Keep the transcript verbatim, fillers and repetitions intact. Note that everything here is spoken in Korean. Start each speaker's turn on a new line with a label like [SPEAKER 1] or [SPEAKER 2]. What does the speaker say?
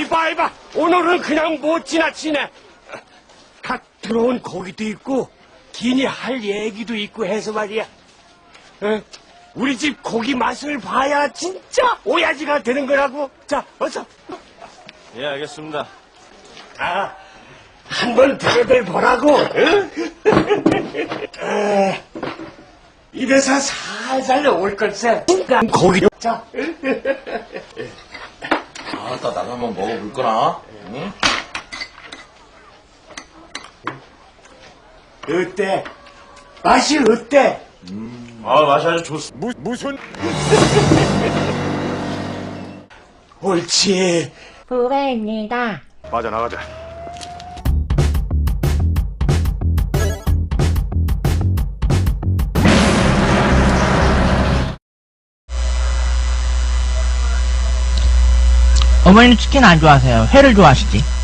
[SPEAKER 1] 이봐, 이봐. 오늘은 그냥 못 지나치네. 갓 들어온 고기도 있고, 기니 할 얘기도 있고 해서 말이야. 어? 우리 집 고기 맛을 봐야 진짜 오야지가 되는 거라고. 자, 어서.
[SPEAKER 2] 예, 알겠습니다.
[SPEAKER 1] 아, 한번 대들 보라고. 응? 에, 입에서 살살 올 걸세. 고기. 자.
[SPEAKER 2] 아따, 나도 한번 먹어볼 거나. 응?
[SPEAKER 1] 어때? 맛이 어때?
[SPEAKER 2] 음. 아, 맛이 아주 좋습니다.
[SPEAKER 1] 무, 무슨? 옳지.
[SPEAKER 3] 후배입니다.
[SPEAKER 4] 빠져나가자.
[SPEAKER 3] 어머니는 치킨 안 좋아하세요? 회를 좋아하시지?